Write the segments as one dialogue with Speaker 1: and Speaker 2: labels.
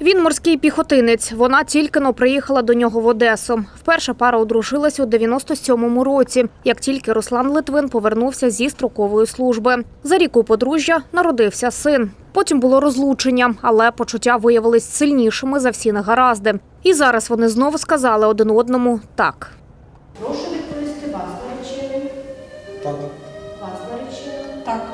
Speaker 1: Він морський піхотинець. Вона тільки-но приїхала до нього в Одесу. Вперше пара одружилась у 97-му році, як тільки Руслан Литвин повернувся зі строкової служби. За рік у подружжя народився син. Потім було розлучення, але почуття виявились сильнішими за всі негаразди. І зараз вони знову сказали один одному «так».
Speaker 2: Прошу відповісти, вас наречений?
Speaker 3: Так.
Speaker 2: Вас наречений? Так.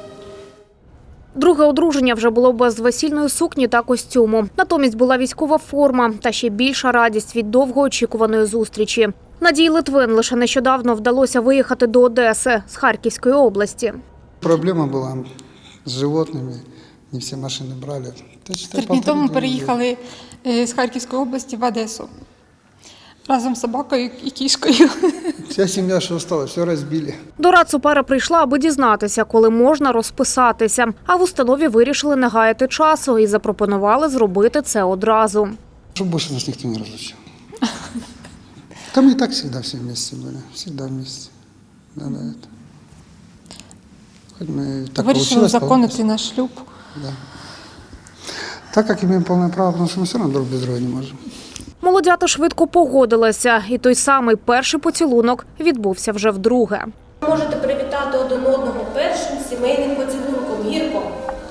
Speaker 1: Друге одруження вже було без весільної сукні та костюму. Натомість була військова форма та ще більша радість від довгоочікуваної зустрічі. Надії Литвин лише нещодавно вдалося виїхати до Одеси з Харківської області.
Speaker 3: Проблема була з животними, не всі машини брали.
Speaker 4: 3 дні тому переїхали з Харківської області в Одесу. Разом з собакою і кішкою.
Speaker 3: Вся сім'я, що осталась, все розбили.
Speaker 1: До Рацу пара прийшла, аби дізнатися, коли можна розписатися. А в установі вирішили не гаяти часу і запропонували зробити це одразу.
Speaker 3: Щоб більше нас ніхто не розлучив. Там і так завжди всі вместе були. Завжди вместе. Надо это. Хоть мы так
Speaker 4: Вирішили
Speaker 3: получилось.
Speaker 4: узаконити наш шлюб.
Speaker 3: Да. Так як маємо повне право, тому що ми все одно друг без друга не можемо.
Speaker 1: Молодята швидко погодилися, і той самий перший поцілунок відбувся вже вдруге.
Speaker 2: Можете привітати один одного першим сімейним поцілунком. Гірко.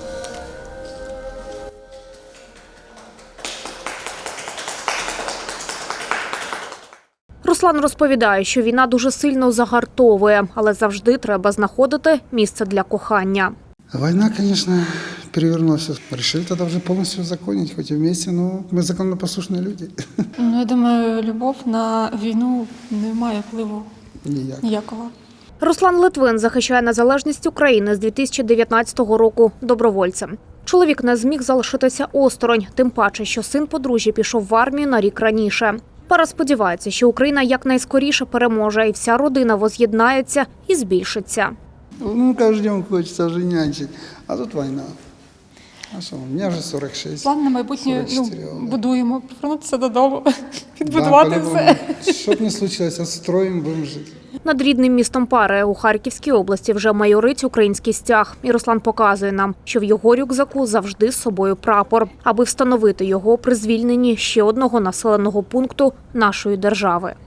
Speaker 1: Руслан розповідає, що війна дуже сильно загартовує, але завжди треба знаходити місце для кохання.
Speaker 3: Война, конечно, перевернула все. Решили тогда уже полностью узаконить, хоть и вместе, но мы законопослушные люди.
Speaker 4: Ну, я думаю, любов на війну не має впливу
Speaker 3: Ніяк.
Speaker 4: ніякого.
Speaker 1: Руслан Литвин захищає незалежність України з 2019 року добровольцем. Чоловік не зміг залишитися осторонь, тим паче, що син подружжя пішов в армію на рік раніше. Пара сподівається, що Україна якнайскоріше переможе і вся родина воз'єднається і збільшиться.
Speaker 3: Ну, каждый день хочется уже нянчить, а тут война. А що, у мене вже 46.
Speaker 4: План на майбутнє
Speaker 3: 44, да.
Speaker 4: будуємо, повернутися додому, відбудувати
Speaker 3: по-любому.
Speaker 4: все.
Speaker 3: Щоб не случилось, отстроїмо, будемо жити.
Speaker 1: Над рідним містом пари у Харківській області вже майорить український стяг. І Руслан показує нам, що в його рюкзаку завжди з собою прапор, аби встановити його при звільненні ще одного населеного пункту нашої держави.